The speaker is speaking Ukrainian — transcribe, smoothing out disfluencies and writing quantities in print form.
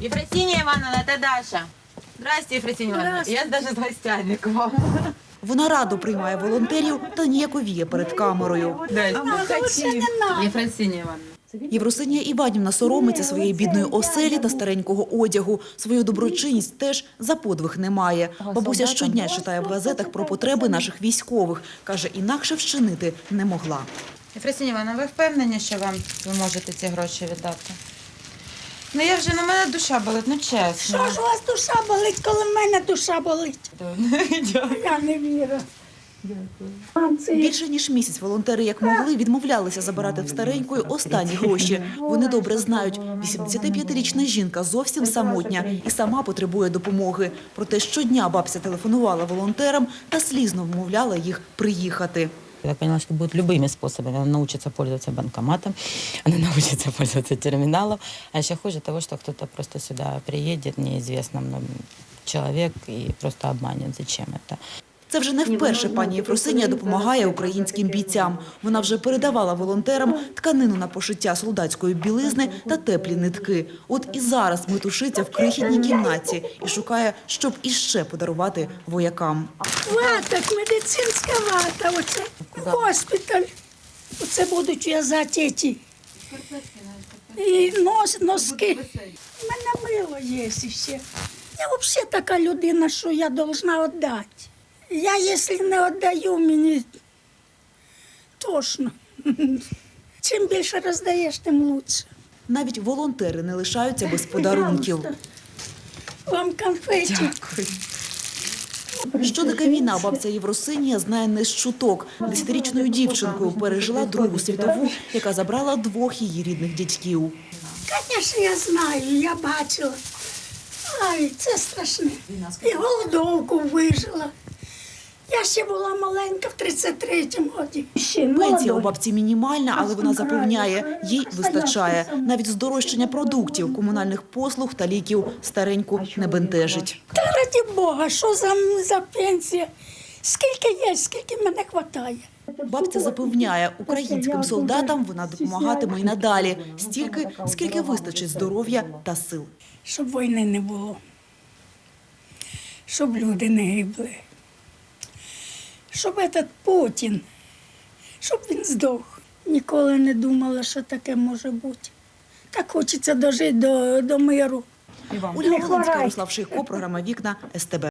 Ефросинья Ивановна, это Даша. Здрасте, Ефросинья Ивановна. Я даже с гостями к вам. Вона радо приймає волонтерів та ніяковіє перед камерою. Ефросинья Ивановна. Євросинія Іванівна соромиться своєї бідної оселі та старенького одягу. Свою доброчинність теж за подвиг не має. Бабуся щодня читає в газетах про потреби наших військових. Каже, інакше вчинити не могла. Ефросинья Івановна, ви впевнені, що ви можете ці гроші віддати? Ну я вже, на мене душа болить, ну чесно. Що ж у вас душа болить, коли в мене душа болить? Я не вірю. Більше ніж місяць волонтери, як могли, відмовлялися забирати в старенької останні гроші. Вони добре знають, 85-річна жінка зовсім самотня і сама потребує допомоги. Проте щодня бабця телефонувала волонтерам та слізно вмовляла їх приїхати. Я поняла, что будет любыми способами. Она научится пользоваться банкоматом, она научится пользоваться терминалом. А еще хуже того, что кто-то просто сюда приедет, неизвестно нам человек, и просто обманет. Зачем это? Це вже не вперше пані Єфросинія допомагає українським бійцям. Вона вже передавала волонтерам тканину на пошиття солдатської білизни та теплі нитки. От і зараз метушиться в крихітній кімнаті і шукає, щоб іще подарувати воякам. Вата, медицинська вата, оце госпіталь. Оце будуть в'язати ці. І носки. У мене мило є ще. Я взагалі така людина, що я повинна віддати. Я, якщо не віддаю, мені тошно. Чим більше роздаєш, тим краще. Навіть волонтери не лишаються без подарунків. Вам конфеті. Що таке війна, бабця Євросинія знає не з чуток. 10-річною дівчинкою пережила Другу світову, яка забрала двох її рідних дядьків. Звісно, я знаю, я бачила. Ай, це страшне. І голодовку вижила. Я ще була маленька в 33-му році. Пенсія у бабці мінімальна, але вона запевняє, їй вистачає. Навіть здорожчання продуктів, комунальних послуг та ліків стареньку не бентежить. Та раді Бога, що за пенсія? Скільки є, скільки мене вистачає. Бабця запевняє, українським солдатам вона допомагатиме й надалі. Стільки, скільки вистачить здоров'я та сил. Щоб війни не було. Щоб люди не гибли. Щоб этот Путін, щоб він здох. Ніколи не думала, що таке може бути. Так хочеться дожити до миру. Ольга Волинська, Ярослав Шийко, програма «Вікна», СТБ.